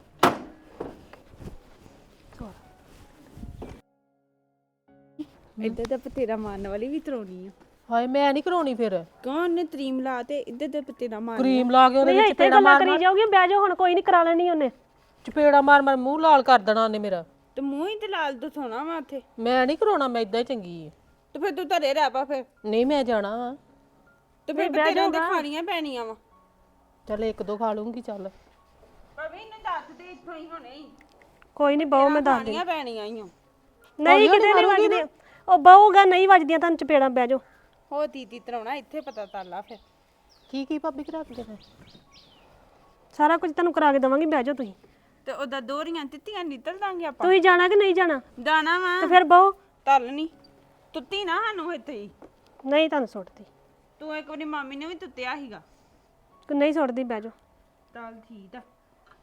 Speaker 2: ਇੱਧਰ ਦਾ ਪਤੇਰਾ ਮਾਰਨ ਵਾਲੀ ਵੀ ਤਰੋਣੀ ਆ
Speaker 7: ਹਾਏ ਮੈਂ ਨਹੀਂ ਕਰਾਉਣੀ ਫਿਰ
Speaker 2: ਕੌਣ ਨੇ ਤਰੀਮ ਲਾ ਤੇ ਇੱਧਰ ਦਾ ਪਤੇਰਾ ਮਾਰ
Speaker 7: ਕਰੀਮ ਲਾ ਕੇ ਉਹਦੇ
Speaker 9: ਨਹੀਂ
Speaker 7: ਵਿੱਚ
Speaker 9: ਇੱਥੇ ਗੱਲਾਂ ਕਰੀ ਜਾਓਗੀ ਬਹਿ ਜਾਓ ਹੁਣ ਕੋਈ ਨਹੀਂ ਕਰਾ ਲੈਣੀ ਉਹਨੇ
Speaker 7: ਚਪੇੜਾ ਮਾਰ ਮਾਰ ਮੂੰਹ ਲਾਲ ਕਰ ਦੇਣਾ ਉਹਨੇ ਮੇਰਾ
Speaker 2: ਤੇ ਮੂੰਹ ਹੀ ਤੇ ਲਾਲ ਤੋਂ ਸੋਣਾ ਵਾ ਉੱਥੇ
Speaker 7: ਮੈਂ ਨਹੀਂ ਕਰਾਉਣਾ ਮੈਂ ਇਦਾਂ ਹੀ ਚੰਗੀ ਹੈ
Speaker 2: ਤੇ ਫਿਰ ਤੂੰ ਧਰੇ ਰਹਿ ਪਾ ਫਿਰ
Speaker 7: ਨਹੀਂ ਮੈਂ ਜਾਣਾ ਵਾ
Speaker 2: ਤੇ ਫਿਰ ਪਤੇਰਾ ਦੇ ਖਾਣੀਆਂ ਪੈਣੀਆਂ ਵਾ
Speaker 7: ਚੱਲ ਇੱਕ ਦੋ ਖਾ ਲੂੰਗੀ ਚੱਲ
Speaker 2: ਭਾਵੇਂ ਇਹਨੂੰ ਦੱਸ ਦੇ ਇੱਥੋਂ ਹੀ ਹੁਣੇ ਹੀ
Speaker 9: ਕੋਈ ਨਹੀਂ ਬਹੁ ਮੈਂ ਦੱਸ ਦੇ
Speaker 2: ਖਾਣੀਆਂ ਪੈਣੀਆਂ ਹੀ
Speaker 9: ਨਹੀਂ ਕਿਤੇ ਨਹੀਂ ਵੱਜਦੀਆਂ ਉਹ ਬਹੁਗਾ ਨਹੀਂ ਵੱਜਦੀਆਂ ਤੁਹਾਨੂੰ ਚਪੇੜਾਂ ਬਹਿ ਜਾਓ
Speaker 2: ਹੋ ਤੀਤੀ ਤਰਾਉਣਾ ਇੱਥੇ ਪਤਾ ਤਾਲਾ ਫਿਰ
Speaker 7: ਕੀ ਕੀ ਭਾਬੀ ਕਰਾ ਕੇ ਦੇਣਾ
Speaker 9: ਸਾਰਾ ਕੁਝ ਤੁਹਾਨੂੰ ਕਰਾ ਕੇ ਦਵਾਂਗੀ ਬਹਿ ਜਾਓ ਤੁਸੀਂ
Speaker 2: ਤੇ ਉਹਦਾ ਦੋਰੀਆਂ ਤਿੱਤੀਆਂ ਨਿਕਲ ਦਾਂਗੇ ਆਪਾਂ
Speaker 9: ਤੁਸੀਂ ਜਾਣਾ ਕਿ ਨਹੀਂ ਜਾਣਾ
Speaker 2: ਦਾਣਾ ਵਾ
Speaker 9: ਤੇ ਫਿਰ ਬਹੁ
Speaker 2: ਤਲ ਨਹੀਂ ਤੁੱਤੀ ਨਾ ਸਾਨੂੰ ਇੱਥੇ ਹੀ
Speaker 9: ਨਹੀਂ ਤੁਹਾਨੂੰ ਸੁੱਟਦੀ
Speaker 2: ਤੂੰ ਇੱਕ ਵਾਰੀ ਮਾਮੀ ਨੇ ਵੀ ਤੁੱਤਿਆ ਸੀਗਾ
Speaker 9: ਕਿ ਨਹੀਂ ਸੁੱਟਦੀ ਬਹਿ ਜਾਓ
Speaker 2: ਚੱਲ ਠੀਕ ਆ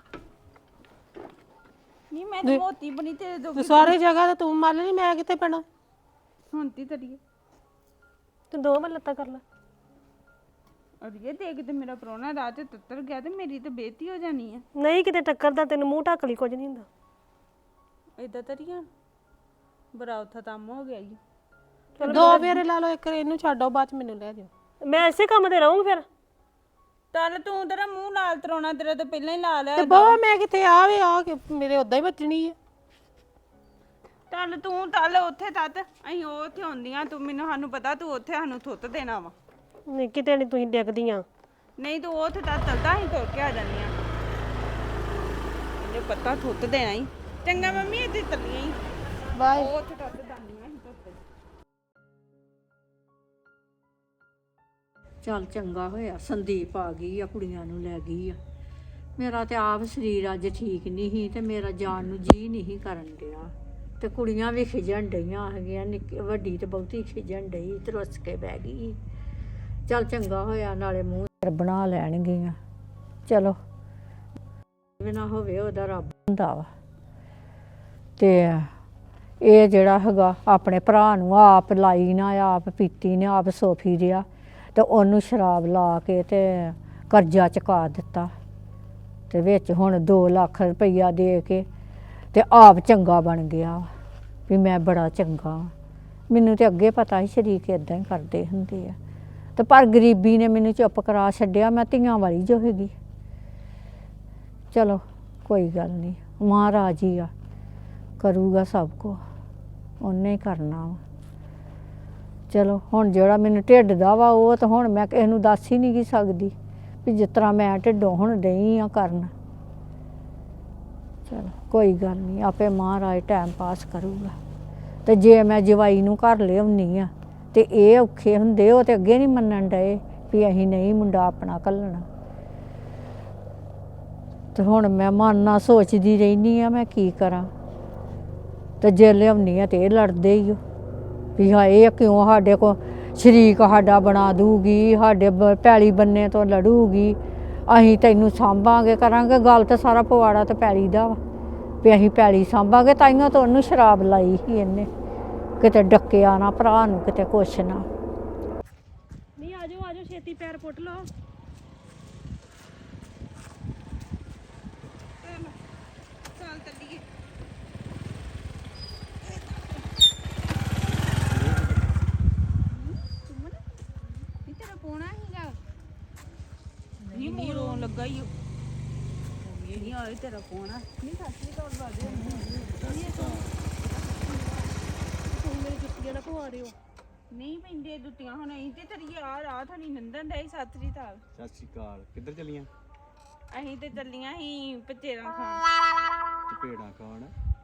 Speaker 2: ਨਹੀਂ ਮੈਂ ਤਾਂ ਮੋਤੀ ਬਣੀ ਤੇ ਦੋ
Speaker 7: ਤੂੰ ਸਾਰੇ ਜਗ੍ਹਾ ਤੇ ਤੂੰ ਮੰਨ ਲਈ ਮੈਂ ਕਿੱਥੇ ਪੈਣਾ
Speaker 2: ਹੁਣ ਤੀ ਤੜੀਏ
Speaker 9: ਤੂੰ ਦੋ ਵਾਰ ਲੱਤਾਂ ਕਰ ਲੈ
Speaker 2: ਅੜੀਏ ਦੇਖ ਤੇ ਮੇਰਾ ਪ੍ਰਾਹੁਣਾ ਰਾਤ ਤੇ ਤੱਤਰ ਗਿਆ ਤੇ ਮੇਰੀ ਤਾਂ ਬੇਇੱਜ਼ਤੀ ਹੋ ਜਾਣੀ ਆ
Speaker 9: ਨਹੀਂ ਕਿਤੇ ਟੱਕਰਦਾ ਤੈਨੂੰ ਮੂੰਹ ਢੱਕ ਲਈ ਕੁਝ ਨਹੀਂ ਹੁੰਦਾ
Speaker 2: ਏਦਾਂ ਤਰੀਆਂ ਬੜਾ ਉੱਥਾ ਤੰਮ ਹੋ ਗਿਆ ਈ
Speaker 7: ਦੋ ਫੇਰੇ ਲਾ ਲਓ ਇੱਕ ਇਹਨੂੰ ਛੱਡੋ ਬਾਅਦ ਚ ਮੈਨੂੰ ਲੈ ਜਾਓ
Speaker 9: ਮੈਂ ਇਸੇ ਕੰਮ ਤੇ ਰਹੂੰ ਫਿਰ
Speaker 2: ਚੱਲ ਤੂੰ ਤੇਰਾ ਮੂੰਹ ਲਾਲ ਤਰਾਉਣਾ ਤੇਰਾ ਤਾਂ ਪਹਿਲਾਂ ਹੀ ਲਾ ਲਿਆ
Speaker 7: ਤੇ ਬਹੁ ਮੈਂ ਕਿੱਥੇ ਆਵੇ ਆ ਕੇ ਮੇਰੇ ਉਦਾਂ ਹੀ ਵੱਜਣੀ ਹੈ
Speaker 2: ਚੱਲ ਤੂੰ ਚੱਲ ਉੱਥੇ ਤੱਤ ਅਸੀਂ ਉਹ ਉੱਥੇ ਹੁੰਦੀਆਂ ਤੂੰ ਮੈਨੂੰ ਸਾਨੂੰ ਪਤਾ ਤੂੰ ਉੱਥੇ ਸਾਨੂੰ ਥੁੱਤ ਦੇਣਾ ਵਾ
Speaker 9: ਨਹੀਂ ਕਿਤੇ ਨਹੀਂ ਤੁਸੀਂ ਡਿੱਗਦੀਆਂ
Speaker 2: ਨਹੀਂ ਤੂੰ ਉੱਥੇ ਤੱਤ ਚੱਲਦਾ ਅਸੀਂ ਤੁਰ ਕੇ ਆ ਜਾਂਦੀਆਂ ਇਹਨੇ ਪਤਾ ਥੁੱਤ ਦੇਣਾ ਹੀ ਚੰਗਾ ਮੰਮੀ ਇੱਥੇ ਚੱਲੀਆਂ ਹੀ
Speaker 7: ਬਾਏ
Speaker 2: ਉਹ ਉੱਥੇ ਤੱਤ ਦਾਨੀਆਂ ਅਸੀਂ ਤੁੱਤ
Speaker 8: ਚੱਲ ਚੰਗਾ ਹੋਇਆ ਸੰਦੀਪ ਆ ਗਈ ਆ ਕੁੜੀਆਂ ਨੂੰ ਲੈ ਗਈ ਆ ਮੇਰਾ ਤੇ ਆਪ ਸਰੀਰ ਅੱਜ ਠੀਕ ਨਹੀਂ ਸੀ ਤੇ ਮੇਰਾ ਜਾਣ ਨੂੰ ਜੀ ਨਹੀਂ ਕਰਨ ਡਿਆ ਤੇ ਕੁੜੀਆਂ ਵੀ ਖਿਜਣ ਡਈਆਂ ਹੈਗੀਆਂ ਨਿੱਕੀ ਵੱਡੀ ਤੇ ਬਹੁਤੀ ਖਿਜਣ ਡਈ ਤੇ ਰੁੱਸ ਕੇ ਬਹਿ ਗਈ ਚੱਲ ਚੰਗਾ ਹੋਇਆ ਨਾਲੇ ਮੂੰਹ ਸਿਰ ਬਣਾ ਲੈਣਗੀਆਂ ਚਲੋ ਬਿਨਾ ਹੋਵੇ ਉਹਦਾ ਰੱਬ ਹੁੰਦਾ ਵਾ ਤੇ ਇਹ ਜਿਹੜਾ ਹੈਗਾ ਆਪਣੇ ਭਰਾ ਨੂੰ ਆਪ ਲਾਈ ਨਾ ਆਪ ਪੀਤੀ ਨੇ ਆਪ ਸੋਫੀ ਰਿਹਾ ਤੇ ਉਹਨੂੰ ਸ਼ਰਾਬ ਲਾ ਕੇ ਤੇ ਕਰਜ਼ਾ ਚੁਕਾ ਦਿੱਤਾ ਤੇ ਵਿੱਚ ਹੁਣ ਦੋ ਲੱਖ ਰੁਪਈਆ ਦੇ ਕੇ ਤੇ ਆਪ ਚੰਗਾ ਬਣ ਗਿਆ ਵੀ ਮੈਂ ਬੜਾ ਚੰਗਾ ਮੈਨੂੰ ਤੇ ਅੱਗੇ ਪਤਾ ਸੀ ਸ਼ਰੀਕ ਇਦਾਂ ਹੀ ਕਰਦੇ ਹੁੰਦੇ ਆ ਤੇ ਪਰ ਗਰੀਬੀ ਨੇ ਮੈਨੂੰ ਚੁੱਪ ਕਰਾ ਛੱਡਿਆ ਮੈਂ ਧੀਆਂ ਵਾਲੀ ਜੋ ਹੈਗੀ ਚਲੋ ਕੋਈ ਗੱਲ ਨਹੀਂ ਮਹਾਰਾਜ ਹੀ ਆ ਕਰੂਗਾ ਸਭ ਕੁਝ ਉਹਨੇ ਹੀ ਕਰਨਾ ਵਾ ਚਲੋ ਹੁਣ ਜਿਹੜਾ ਮੈਨੂੰ ਢਿੱਡ ਦਾ ਵਾ ਉਹ ਤਾਂ ਹੁਣ ਮੈਂ ਕਿਸੇ ਨੂੰ ਦੱਸ ਹੀ ਨਹੀਂ ਗੀ ਸਕਦੀ ਵੀ ਜਿਸ ਤਰ੍ਹਾਂ ਮੈਂ ਢਿੱਡੋਂ ਹੁਣ ਡਈ ਆ ਕਰਨ ਚਲੋ ਕੋਈ ਗੱਲ ਨਹੀਂ ਆਪੇ ਮਹਾਰਾਜ ਟਾਈਮ ਪਾਸ ਕਰੂਗਾ ਤੇ ਜੇ ਮੈਂ ਜਵਾਈ ਨੂੰ ਘਰ ਲਿਆਉਣੀ ਆ ਤੇ ਇਹ ਔਖੇ ਹੁੰਦੇ ਉਹ ਤੇ ਅੱਗੇ ਨਹੀਂ ਮੰਨਣ ਡਏ ਵੀ ਅਸੀਂ ਨਹੀਂ ਮੁੰਡਾ ਆਪਣਾ ਘੱਲਣਾ ਤੇ ਹੁਣ ਮੈਂ ਮਨ ਨਾਲ ਸੋਚਦੀ ਰਹਿੰਦੀ ਆ ਮੈਂ ਕੀ ਕਰਾਂ ਤੇ ਜੇ ਲਿਆਉਣੀ ਆ ਤੇ ਇਹ ਲੜਦੇ ਹੀ ਵੀ ਹਾਏ ਇਹ ਕਿਉਂ ਸਾਡੇ ਕੋ ਸ਼ਰੀਕ ਸਾਡਾ ਬਣਾ ਦੂਗੀ ਸਾਡੇ ਪੈਲੀ ਬੰਨੇ ਤੋਂ ਲੜੂਗੀ ਅਸੀਂ ਤੈਨੂੰ ਸਾਂਭਾਂਗੇ ਕਰਾਂਗੇ ਗੱਲ ਤਾਂ ਸਾਰਾ ਪਵਾੜਾ ਤੇ ਪੈਲੀ ਦਾ ਵਾ ਵੀ ਅਸੀਂ ਪੈਲੀ ਸਾਂਭਾਂਗੇ ਤਾਈਆਂ ਤਾਂ ਉਹਨੂੰ ਸ਼ਰਾਬ ਲਾਈ ਸੀ ਇਹਨੇ ਕਿਤੇ ਡੱਕਿਆ ਨਾ ਭਰਾ ਨੂੰ ਕਿਤੇ ਕੁਛ ਨਾ
Speaker 9: ਨਹੀਂ ਆਜੋ ਆਜੋ ਛੇਤੀ ਪੈਰ ਪੁੱਟ ਲਓ
Speaker 2: ਚੱਲ ਚੱਲੀਏ ਲੱਗਾ ਹੀ ਇਹ ਨਹੀਂ ਆਏ ਤੇਰਾ ਫੋਨ ਆ ਨਹੀਂ ਸੱਚੀ ਤੌਰ ਬਾਦੇ
Speaker 9: ਤੁਸੀਂ ਮੇਰੇ ਜੁੱਤੀਆਂ ਨਾ ਪਵਾ ਦਿਓ
Speaker 2: ਨਹੀਂ ਪੈਂਦੇ ਦੁੱਤੀਆਂ ਹੁਣ ਅਸੀਂ ਤੇ ਤੇਰੀ ਆ ਰਾਹ ਥਣੀ ਨੰਦਨ ਦੇ ਸਤਰੀ ਤਾਲ
Speaker 10: ਸਤਿ ਸ਼੍ਰੀ ਅਕਾਲ ਕਿੱਧਰ ਚਲੀਆਂ
Speaker 2: ਅਸੀਂ ਤੇ ਚੱਲੀਆਂ ਸੀ ਪਚੇਰਾ ਖਾਣ
Speaker 10: ਚਪੇੜਾਂ ਖਾਣ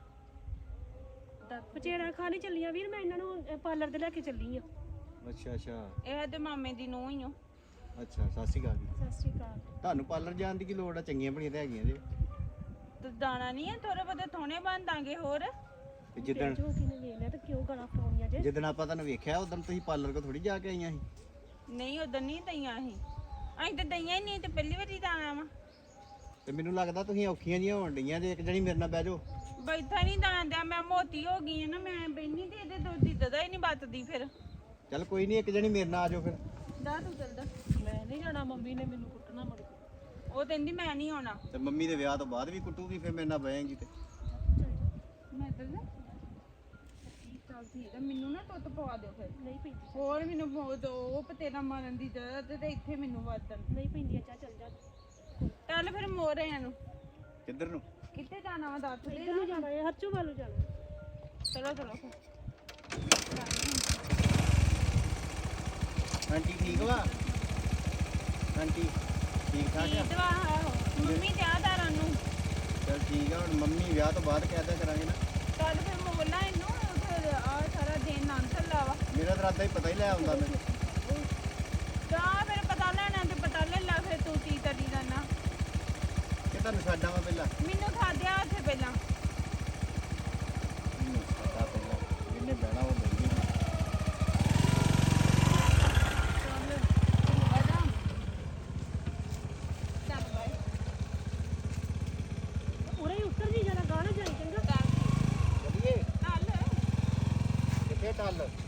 Speaker 9: ਪਚੇੜਾ ਖਾ ਨਹੀਂ ਚੱਲੀਆਂ ਵੀਰ ਮੈਂ ਇਹਨਾਂ ਨੂੰ ਪਾਰਲਰ ਤੇ ਲੈ ਕੇ ਚੱਲੀ ਆ
Speaker 10: ਅੱਛਾ ਅੱਛਾ
Speaker 2: ਇਹ ਤੇ ਮਾਮੇ ਦੀ ਨੂੰਹ ਹੀ ਓ
Speaker 10: ਅੱਛਾ ਸਤਿ ਸ਼੍ਰੀ ਅਕਾਲ ਜੀ
Speaker 9: ਸਤਿ ਸ਼੍ਰੀ ਅਕਾਲ
Speaker 10: ਤੁਹਾਨੂੰ ਪਾਰਲਰ ਜਾਣ ਦੀ ਕੀ ਲੋੜ ਆ ਚੰਗੀਆਂ ਬਣੀਆਂ ਤੇ ਹੈਗੀਆਂ ਜੇ
Speaker 2: ਤੇ ਦਾਣਾ ਨਹੀਂ ਹੈ ਥੋੜੇ ਬਹੁਤੇ ਥੋਣੇ ਬਣ ਦਾਂਗੇ ਹੋਰ
Speaker 10: ਤੇ ਜਿੱਦਣ
Speaker 9: ਜੋ ਕਿ ਨੇ ਵੇਖ ਲਿਆ ਤੇ ਕਿਉਂ ਗਲਾ ਫਰਾਉਣੀਆਂ ਜੇ
Speaker 10: ਜਿੱਦਣ ਆਪਾਂ ਤੁਹਾਨੂੰ ਵੇਖਿਆ ਉਦੋਂ ਤੁਸੀਂ ਪਾਰਲਰ ਕੋ ਥੋੜੀ ਜਾ ਕੇ ਆਈਆਂ ਸੀ
Speaker 2: ਨਹੀਂ ਉਦੋਂ ਨਹੀਂ ਦਈਆਂ ਅਸੀਂ ਅਸੀਂ ਤੇ ਦਈਆਂ ਹੀ ਨਹੀਂ ਤੇ ਪਹਿਲੀ ਵਾਰੀ ਦਾਣਾ ਵਾ
Speaker 10: ਤੇ ਮੈਨੂੰ ਲੱਗਦਾ ਤੁਸੀਂ ਔਖੀਆਂ ਜੀਆਂ ਹੋਣ ਡਈਆਂ ਜੇ ਇੱਕ ਜਣੀ ਮੇਰੇ ਨਾਲ ਬਹਿ ਜਾਓ
Speaker 2: ਬੈਠਾ ਨਹੀਂ ਦਾਂਦਿਆ ਮੈਂ ਮੋਟੀ ਹੋ ਗਈ ਆ ਨਾ ਮੈਂ ਬੈਣੀ ਤੇ ਇਹਦੇ ਦੁੱਧ ਦੀ ਦਦਾ ਹੀ ਨਹੀਂ ਬਚਦੀ ਫਿਰ
Speaker 10: ਚੱਲ ਕੋਈ ਨਹੀਂ ਇੱਕ ਜਣੀ ਮੇਰੇ ਨਾਲ ਆ ਜਾਓ ਫਿਰ
Speaker 2: ਦਾ ਤੂੰ ਚੱਲਦਾ
Speaker 9: ਮੈਂ ਨਹੀਂ ਜਾਣਾ ਮੰਮੀ ਨੇ ਮੈਨੂੰ ਕੁੱਟਣਾ ਮੁੜ ਕੇ
Speaker 2: ਉਹ ਕਹਿੰਦੀ ਮੈਂ ਨਹੀਂ ਆਉਣਾ
Speaker 10: ਤੇ ਮੰਮੀ ਦੇ ਵਿਆਹ ਤੋਂ ਬਾਅਦ ਵੀ ਕੁੱਟੂਗੀ ਫਿਰ ਮੇਰੇ ਨਾਲ ਬਹਿਏਗੀ ਤੇ
Speaker 2: ਮੈਂ ਤਾਂ ਨਾ ਚੱਲ ਠੀਕ ਆ ਮੈਨੂੰ ਨਾ ਤੁੱਤ ਪਵਾ ਦਿਓ ਫਿਰ
Speaker 9: ਨਹੀਂ ਪੈਂਦੀ
Speaker 2: ਹੋਰ ਮੈਨੂੰ ਬਹੁਤ ਉਹ ਪਤੇਰਾ ਮਾਰਨ ਦੀ ਜ਼ਰੂਰਤ ਤੇ ਇੱਥੇ ਮੈਨੂੰ ਵਾਦਨ
Speaker 9: ਨਹੀਂ ਪੈਂਦੀ ਚਾ ਚੱਲ ਜਾ
Speaker 2: ਚੱਲ ਫਿਰ ਮੋਰਿਆਂ ਨੂੰ
Speaker 10: ਕਿੱਧਰ ਨੂੰ
Speaker 2: ਕਿੱਥੇ ਜਾਣਾ ਵਾ ਦੱਸ ਦੇ
Speaker 9: ਇੱਧਰ ਨੂੰ ਜਾਣਾ ਹੈ ਹਰਚੂ ਵੱਲ ਨੂੰ ਜਾਣਾ
Speaker 2: ਚਲੋ ਚਲੋ ਫਿਰ
Speaker 10: ਆਂਟੀ ਠੀਕ ਵਾ ਆਂਟੀ ਠੀਕ ਠਾਕ ਆ
Speaker 2: ਠੀਕ ਵਾ ਆਹੋ ਮੰਮੀ ਤਿਆਦਾਰਾਂ ਨੂੰ
Speaker 10: ਚੱਲ ਠੀਕ ਆ ਹੁਣ ਮੰਮੀ ਵਿਆਹ ਤੋਂ ਬਾਅਦ ਕਹਿਦਾ ਕਰਾਂਗੇ ਨਾ
Speaker 2: ਚੱਲ ਫਿਰ ਮੋਲਾ ਇਹਨੂੰ ਫਿਰ ਆ ਸਾਰਾ ਦਿਨ ਨਾਂ ਥੱਲਾ ਵਾ
Speaker 10: ਮੇਰਾ ਤਾਂ ਇਰਾਦਾ ਹੀ ਪਤਾ ਹੀ ਲੈ ਆਉਂਦਾ ਮੈਨੂੰ
Speaker 2: ਜਾ ਫਿਰ ਪਤਾ ਲੈਣਾ ਤੇ ਪਤਾ ਲੈ ਲਾ ਫਿਰ ਤੂੰ ਕੀ ਕਰੀ ਜਾਣਾ
Speaker 10: ਕਿ ਤੁਹਾਨੂੰ ਛੱਡਾਂ ਵਾ ਪਹਿਲਾਂ
Speaker 2: ਮੈਨੂੰ ਖਾਦਿਆ ਉੱਥੇ ਪਹਿਲਾਂ
Speaker 10: ਮੈਨੂੰ ਛੱਡਾ ਪਹਿਲਾਂ ਇਹਨੇ ਬਹਿਣਾ ਉਹ ਬੈਠੀ
Speaker 9: ਉਰੇ ਹੀ ਉੱਤਰ ਜੀ ਜਾਣਾ ਗਾਣਾ ਜਾਈ ਚੰਗਾ
Speaker 10: ਚੱਲੀਏ
Speaker 2: ਚੱਲ
Speaker 10: ਕਿੱਥੇ ਟੱਲ